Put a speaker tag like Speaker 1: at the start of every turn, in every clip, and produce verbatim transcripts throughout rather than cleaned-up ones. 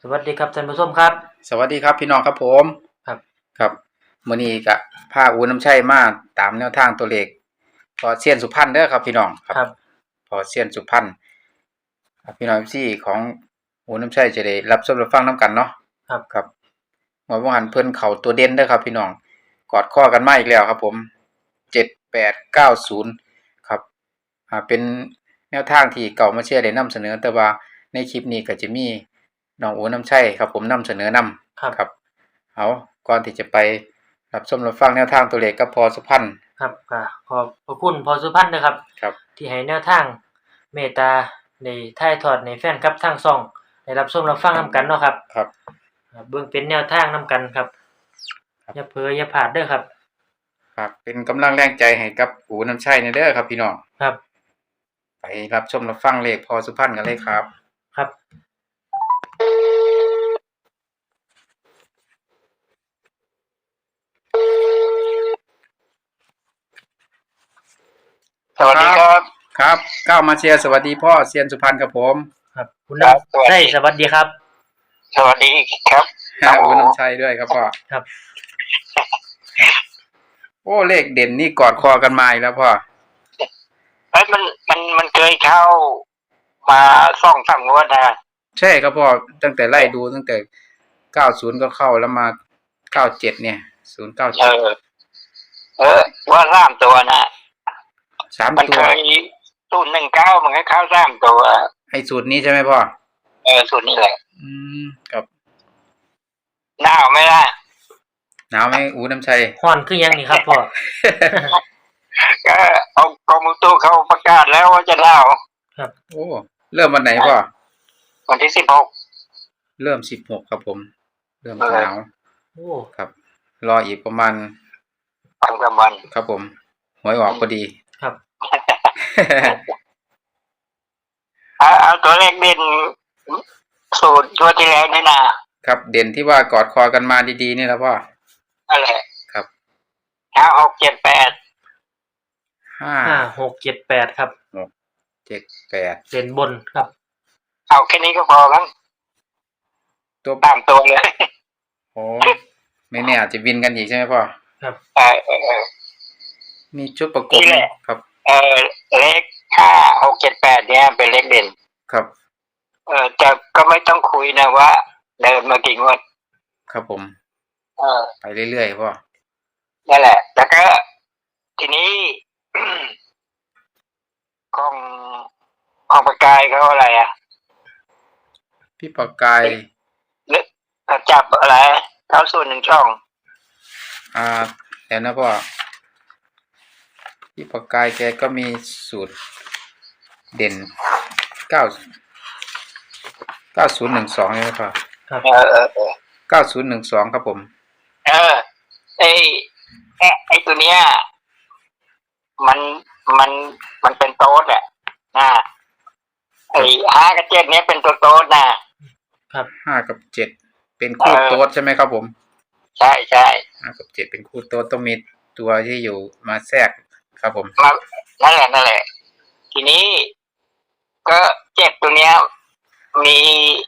Speaker 1: วัสดีครับท่านผู้ชมครับ
Speaker 2: สวัสดีครับพี่น้องครับผม
Speaker 1: ครับ
Speaker 2: ครับมื้อนี้ก็พาอูน้ำชัยมาตามแนวทางตัวเลขพอเซียนสุพรรณเด้อครับพี่น้อง
Speaker 1: ครับ
Speaker 2: พอเซียนสุพรรณครับพี่น้อง เอฟ ซี ของอูน้ำชัยจะได้รับชมรับฟังนํกันเนาะ
Speaker 1: ครับ
Speaker 2: ครับเมื่อวานเพิ่นเข้าตัวเด่นเด้อครับพี่น้องกอดข้อกันมาอีกแล้วครับผมเจ็ด แปด เก้า ศูนย์ครับอ่าเป็นแนวทางที่เก่ามาเชียร์ได้นำเสนอแต่ว่าในคลิปนี้ก็จะมีน้องอูน้ำชัยครับผมนำเสนอนำ
Speaker 1: ครับ
Speaker 2: ครับเอาก่อนที่จะไปรับชมรับฟังแนวทางตัวเลขกับพอสุพรรณ
Speaker 1: ครับก็ขอบพระคุณพอสุพรรณนะครับ
Speaker 2: ครับ
Speaker 1: ที่ให้แนวทางเมตตาในถ่ายทอดในแฟนครับทางช่องได้รับชมรับฟังนํกันเนาะครับ
Speaker 2: ครับ
Speaker 1: เบิ่งเป็นแนวทางนํกันครับอย่าเผลออย่าพลาดเด้อครับ
Speaker 2: ครับเป็นกำลังแรงใจให้กับอูน้ำชัยในเด้อครับพี่น้อง
Speaker 1: ครับ
Speaker 2: ไปรับชมรับฟังเลขพอสุพรรณกันเลยครับ
Speaker 1: ครับ
Speaker 3: สวัสดีครับ
Speaker 2: ครับก้าวมาเชียร์สวัสดีพ่อเซียนสุพรรณครับผม
Speaker 1: ครับคุณน้ำใช่สวัสดีครับ
Speaker 3: สวัสดีครับ
Speaker 2: อูน้ำชัยด้วยครับพ่อ
Speaker 1: ครับ
Speaker 2: โอ้เลขเด่นนี่กอดคอกันมาอีกแล้วพ่อ
Speaker 3: เอ้ยมันมันมันเคยเข้ามาสองสามงวดนะ
Speaker 2: ใช่ครับพ่อตั้งแต่ไล่ดูตั้งแต่เก้าสิบก็เข้าแล้วมาเก้าสิบเจ็ดเนี่ยศูนย์เก้าเจ็ด
Speaker 3: เออเออว่าสามตัวนะ
Speaker 2: สาม
Speaker 3: มัน
Speaker 2: ตัว
Speaker 3: เคยศูนย์หนึ่งเก้ามันก็เข้าสามตัว
Speaker 2: ไอ้สูตรนี้ใช่ไหมพ่อ
Speaker 3: เออสูตรนี้แหละ
Speaker 2: อืมครับ
Speaker 3: หนาวไหมล่ะ
Speaker 2: หนาวไหมอูน้ำชัย
Speaker 1: ฮ้อนคือยังนี่ครับพ่อ
Speaker 3: ก็เอากรมอุตุเขาประกาศแล้วว่าจะหนาว
Speaker 1: ครับ
Speaker 2: โอ้เริ่มวันไหนพ่อ
Speaker 3: วันที่สิบหก
Speaker 2: เริ่มสิบหกครับผมเริ่มหนาว
Speaker 1: โอ้
Speaker 2: ครับรออีกประมาณ
Speaker 3: สองสามวัน
Speaker 2: ครับผมหวยออกพอดี
Speaker 1: ครับ
Speaker 3: เอาเอาตัวเลขเด่นสูตรตัวที่แล้วนี่นะครับ
Speaker 2: เด่นที่ว่ากอดคอกันมาดีๆนี่แล้วพ่อ
Speaker 3: อะไร
Speaker 2: ครับ
Speaker 3: ห้าหกเจ็ดแปด
Speaker 2: ห้า
Speaker 1: ห้าหกเจ็ดแปดครับ
Speaker 2: หกเจ็ดแปด
Speaker 1: เด่นบนครับ
Speaker 3: เอาแค่นี้ก็พอครับ
Speaker 2: ตัว
Speaker 3: ตามตัวเลย
Speaker 2: โอ้ไม่แน่อาจจะวินกันอีกใช่ไหมพ่อ
Speaker 1: ครับ
Speaker 3: เออเออ
Speaker 2: มีชุดประกบครับ
Speaker 3: เออเลขห้าหกเจ็ดแปดเนี่ยเป็นเลขเด่น
Speaker 2: ครับ
Speaker 3: เออแต่ก็ไม่ต้องคุยนะว่าเดินมากี่งวด
Speaker 2: ครับผม
Speaker 3: เออ
Speaker 2: ไปเรื่อยๆพ่อ
Speaker 3: นั่นแหละแล้วก็ทีนี้ของของประกายเขาอะไรอ่ะ
Speaker 2: พี่ประกาย
Speaker 3: เลือกจับอะไรเขาส่วนหนึ่งช่อง
Speaker 2: อ่าแล้วนะพ่อพี่ประกายแกก็มีสูตรเด่นเก้าเก้าศูนย์หนึ่งสองใช่ไหมพ่อ
Speaker 1: ครับ
Speaker 3: เออเออเออ
Speaker 2: เก้าศูนย์หนึ่งสองครับผม
Speaker 3: เออไอไอไอตัวเนี้ยมันมันมันเป็นโต๊ดอ่ะนะไอห้ากับเจ็ดเนี้ยเป็นตัวโต๊ดนะครับ
Speaker 2: ห้ากับเจ็ดเป็นคู่โต๊ดใช่ไหมครับผม
Speaker 3: ใช่ใช่
Speaker 2: ห้ากับเจ็ดเป็นคู่โต๊ดต้องมีตัวที่อยู่มาแทรกครับผม
Speaker 3: นั่นแหละนั่นแหละทีนี้ก็เจ็บตัวเนี้ยมี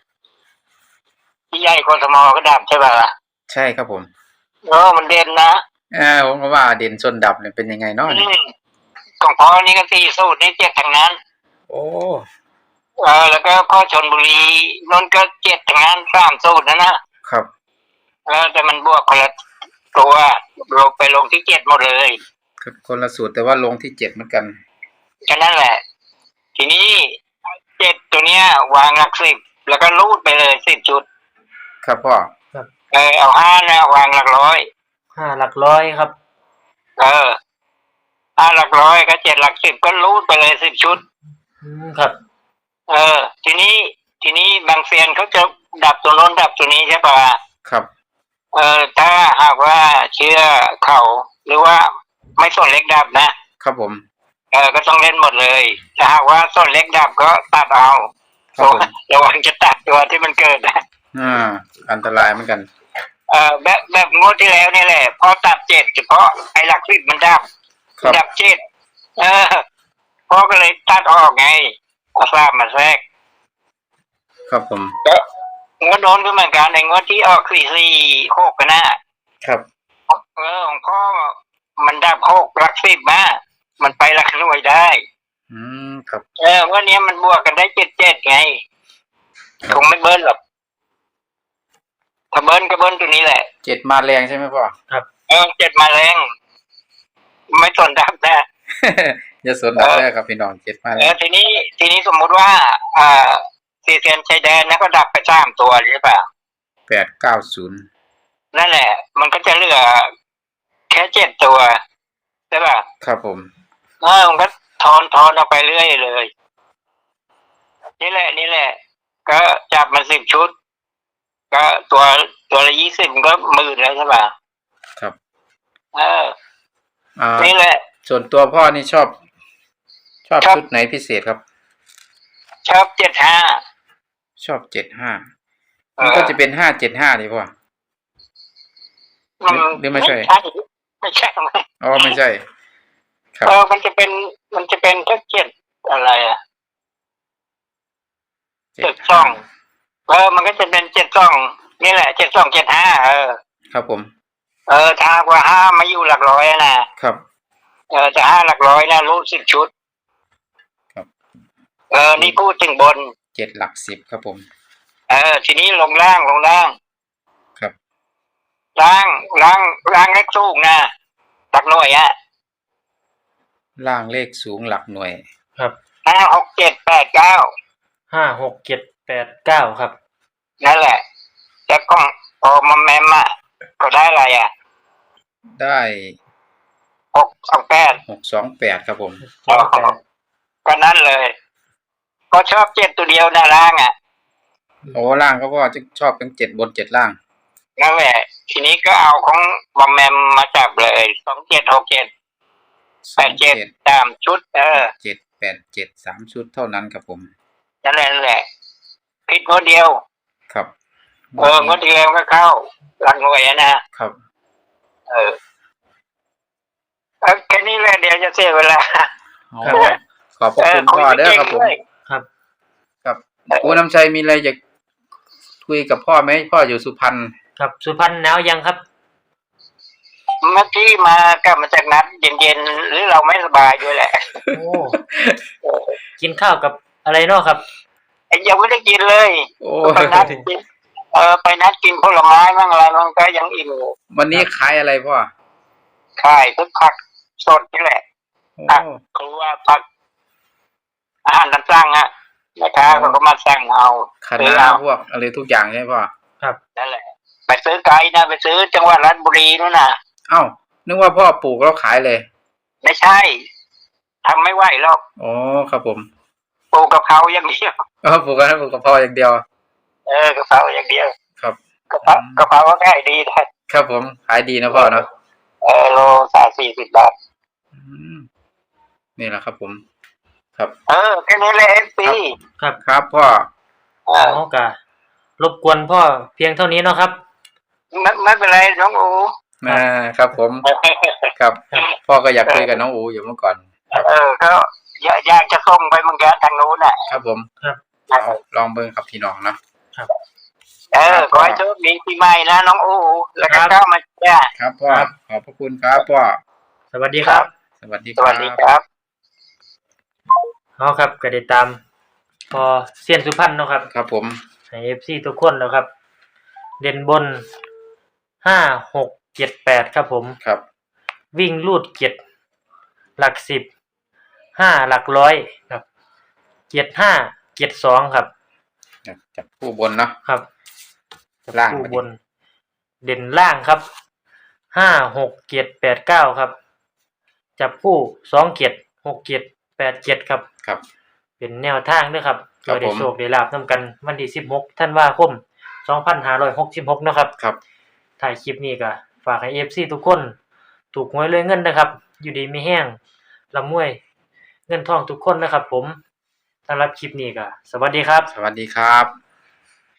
Speaker 3: ที่ใหญ่กทมก็ดับใช่ป่ะ
Speaker 2: ใช่ครับผม
Speaker 3: เออมันเด่นนะ
Speaker 2: เออผมก็ว่าเด่นชนดับเนี่ยเป็นยังไงเนาะ
Speaker 3: ของพ่อนี่ก็สี่สูตรนี่เจ็ดทั้งนั้น
Speaker 2: โอ้
Speaker 3: เออแล้วก็พ่อชนบุรีนนก็เจ็ดทั้งนั้นสามสูตรนะนะครับเออแต่มันบวกคนละตัวลงไปลงที่เจ็ดหมดเลย
Speaker 2: ครับคนละสูตรแต่ว่าลงที่เจ็ดเหมือนกัน
Speaker 3: แค่นั้นแหละทีนี้เจ็ดตัวเนี้ยวางหลักสิบแล้วก็รูดไปเลยสิบชุด
Speaker 2: ครับพ่อ
Speaker 3: เออเอาห้านะวางหลักร้อย
Speaker 1: ห้าหลักร้อยครับ
Speaker 3: เออห้าหลักร้อยก็เจ็ดหลักสิบก็รูดไปเลยสิบชุด
Speaker 1: อืมครับ
Speaker 3: เออทีนี้ทีนี้บางเซียนเขาจะดับตัวโน้นดับตัวนี้ใช่ป่ะ
Speaker 2: ครับ
Speaker 3: เออถ้าหากว่าเชื่อเขาหรือว่าไม่ส่วนเล็กดับนะครับ
Speaker 2: ผม
Speaker 3: เออก็ต้องเล่นหมดเลยถ้าหากว่าส่วนเล็กดับก็ตัดเอาระวังจะตัดตัวที่มันเกิดนะ
Speaker 2: อ่าอันตรายเหมือนกัน
Speaker 3: เออแบบแบบงวดที่แล้วนี่แหละพอตัดเจ็ดเฉพาะไอ้หลักสิบมันดับดับเจ็ดเออพ่อก็เลยตัดออกไงเอาทราบมาแทรก
Speaker 2: ครับผม
Speaker 3: ก็งวดโดนก็เหมือนกันในงวดที่ออกสี่สี่หกกันนะครับ เออของพ่อมันได้หกหลักสิบมามันไปหลักหน่วยได้
Speaker 2: อืมครับ
Speaker 3: เออวันนี้มันบวกกันได้เจ็ดเจ็ดไง
Speaker 2: ครับ
Speaker 3: คงไม่เบิ้ลหรอกถ้าเบิ้ลก็เบิ้ลตัวนี้แหละ
Speaker 2: เจ็ดมาแรงใช่ไหมพ่อ
Speaker 3: เออเจ็ดมาแรงไม่สนดับนะ
Speaker 2: อย่าสนดับแรกครับพี่น้องเจ็ดมา
Speaker 3: เอ
Speaker 2: แร
Speaker 3: อง ทีนี้ทีนี้สมมุติว่าอ่าซีเซียนชายแดนนะก็ดับไปสามตัวหรือเปล่า
Speaker 2: แปดเก้าศูนย์
Speaker 3: นั่นแหละ มันก็จะเหลือแค่เจ็ดตัวใช่ป่ะ
Speaker 2: ครับผม
Speaker 3: เออมันก็ทอนทอนออกไปเรื่อยเลย นี่แหละ นี่แหละ ก็จับมาสิบชุด ก็ตัวตัวละยี่สิบก็หมื่นแล้วใช่ป่ะ
Speaker 2: ครับ
Speaker 3: เออ
Speaker 2: อ่า
Speaker 3: นี่แหละ
Speaker 2: ส่วนตัวพ่อนี่ชอบ ชอบ
Speaker 3: ชอบ
Speaker 2: ชุดไหนพิเศษครับ
Speaker 3: ชอบเจ็ดห้า
Speaker 2: ชอบเจ็ดห้ามันก็จะเป็นห้าเจ็ดห้าดีพ่อ หรือหรือไม่ใช่
Speaker 3: ไม่ใช่ไม่
Speaker 2: อ๋อไม่ใช่ ครับ
Speaker 3: เออมันจะเป็นมันจะเป็นแค่เจ็ดอะไรอ่ะ เจ็ดช่อง เออ มันก็จะเป็นเจ็ดช่อง นี่แหละเจ็ดช่องเจ็ดห้าเออ
Speaker 2: ครับผม
Speaker 3: เออถ้าหากว่าห้ามาอยู่หลักร้อยอะนะครับ เออจะห้าหลักร้อยนะรู้สิบชุด
Speaker 2: ครับ
Speaker 3: เออ นี่พูดถึงบน
Speaker 2: เจ็ดหลักสิบครับผม
Speaker 3: เออ ทีนี้ลงล่างลงล่าง
Speaker 2: ครับ
Speaker 3: ล่างล่างล่างเล็กสูงนะหลักหน่วยอะ
Speaker 2: ล่างเลขสูงหลักหน่วย
Speaker 1: ครับ
Speaker 3: ห้าหกเจ็ดแปดเก้า
Speaker 1: ห้าหกเจ็ดแปดเก้าครับ
Speaker 3: นั่นแหละแล้วก็พอมาแมมอ่ะก็ได้อะไรอ่ะ
Speaker 2: ได้
Speaker 3: หกสองแปด
Speaker 2: หกสองแปดครับผม
Speaker 3: อ๋อก็นั่นเลย ก็ชอบเจ็ดตัวเดียวนะล่างอ่ะ
Speaker 2: โอ้ล่างก็พ่อจะชอบเป็นเจ็ดบนเจ็ดล่าง
Speaker 3: นั่นแหละ ทีนี้ก็เอาของบอมแมมมาจับเลยสองเจ็ดหกเจ็ด
Speaker 2: ส
Speaker 3: แป
Speaker 2: อง
Speaker 3: ดเจ็ด
Speaker 2: เจ็ด
Speaker 3: ตามชุด เออ
Speaker 2: เจ็ดแปดเจ็ดสามชุดเท่านั้นครับผม
Speaker 3: นั่นแหละนั่นแหละผิดงวดเดียว
Speaker 2: ครับ
Speaker 3: เอองวดเดียวก็เข้าหลังหน่วยอะนะครับ เออเอาแค่นี้แหละเดี๋ยวจะเสียเวลา
Speaker 2: อ๋อขอบพระคุณพ่อเด้อครับผม
Speaker 1: ครับ
Speaker 2: ครับคุณน้ำชัยมีอะไรอยากคุยกับพ่อไหมพ่ออยู่สุพรรณ
Speaker 1: ครับสุพรรณหนาวยังครับ
Speaker 3: เมื่อกี้มากลับมาจากนัดเย็นๆหรือเราไม่สบายด้วยแหละ
Speaker 1: โอ้ กินข้าวกับอะไรเนาะครับ
Speaker 3: ไอ้ยังไม่ได้กินเลย
Speaker 2: โอ้
Speaker 3: ไปนัดกินเออไปนัดกินผลไม้บ้างอะไรบ้างก็ยังอิ่มอยู่
Speaker 2: วันนี้ขายอะไรพ่อ
Speaker 3: ขายทุกผักสดนี่แหละ
Speaker 2: โอ้
Speaker 3: ผักครัวผักอาหารตามสั่งอ่ะแม่ค้าเขาก็มาสั่งเอา
Speaker 2: ค
Speaker 3: ซื้อ
Speaker 2: ณะ
Speaker 3: เอา
Speaker 2: พวกอะไรทุกอย่างใช่ไหมพ่อ
Speaker 1: ครับ
Speaker 3: นั่นแหละ ไปซื้อไก่นะไปซื้อจังหวัดราชบุรีนู่นน่ะ
Speaker 2: เอ้านึกว่าพ่อปลูกแล้วขายเลย
Speaker 3: ไม่ใช่ทำไม่ไหวหรอก
Speaker 2: อ๋อครับผม
Speaker 3: ปลูกกะเพราอย่างเดียว
Speaker 2: เออปลูกกันปลูกกับพ่ออย่างเดียว
Speaker 3: เออกะเพราอย่างเดียว
Speaker 2: ครับ
Speaker 3: กะเพรากะเพราก็ง่ายดีนะครับ
Speaker 2: ผมขายดีนะพ่อเนาะ
Speaker 3: เออโลสามสี่สิบบาท
Speaker 2: อืมนี่แหละครับผม ครับ
Speaker 3: เออแค่นี้เลยเอฟซี
Speaker 1: ครับ
Speaker 2: ครับพ่อ
Speaker 3: เออ
Speaker 1: อ๋อกะรบกวนพ่อเพียงเท่านี้เนาะครับ
Speaker 3: ไม่ไม่เป็นไรน้องอู
Speaker 2: อ่าครับผมครับ พ่อก็อยากคุยกับน้องอูอยู่เมื่อก่อน
Speaker 3: เออก็อยากอยากจะส่งไปเหมือนกันทางนู้นน่ะ
Speaker 2: ครับผม
Speaker 1: ครับ
Speaker 2: เอาลองเบิ่งครับพี่น้องเนาะ
Speaker 3: เออขอให้โชคดีปีใหม่นะน้องอูแล้วก็เข้ามาจ้า
Speaker 2: ครับพ่อขอบพระคุณครับพ่อ
Speaker 1: สวัสดีครับ
Speaker 2: สวัสดี
Speaker 3: ส
Speaker 2: ครั
Speaker 3: วัสดี
Speaker 2: บ
Speaker 3: ครับ
Speaker 1: เอาครับก็ได้ตาม พอเซียนสุพรรณเนาะครับ
Speaker 2: ครับผม
Speaker 1: ให้ เอฟ ซี ทุกคนแล้วครับ เด่นบนห้าหกเจ็ดแปดครับผม
Speaker 2: ครับ
Speaker 1: วิ่งลูดเจ็ดหลักสิบห้าหลักร้อยครับเจ็ดห้าเจ็ดสองครับ
Speaker 2: จับผู้บนเนาะ
Speaker 1: ครับ
Speaker 2: ล่าง
Speaker 1: คู่บน เด่นล่างครับห้าหกเจ็ดแปดเก้าครับ จับคู่สองเจ็ดหกเจ็ดแปดเจ็ดครับ
Speaker 2: ครับ
Speaker 1: เป็นแนวทางด้วยครับ
Speaker 2: ครับ
Speaker 1: โดยได้
Speaker 2: ผม
Speaker 1: โชคได้ลาบนํกันวันที่สิบหกธันวาคมสองพันห้าร้อยหกสิบหกนะครับ
Speaker 2: ครับ
Speaker 1: ถ่ายคลิปนี้ก็ฝากให้ เอฟ ซี ทุกคนถูกหวยรวยเงินนะครับ อยู่ดีมีแห้งร่ำรวยเงินทองทุกคนนะครับ ผมสำหรับคลิปนี้ก็สวัสดีครับ
Speaker 2: สวัสดีครับ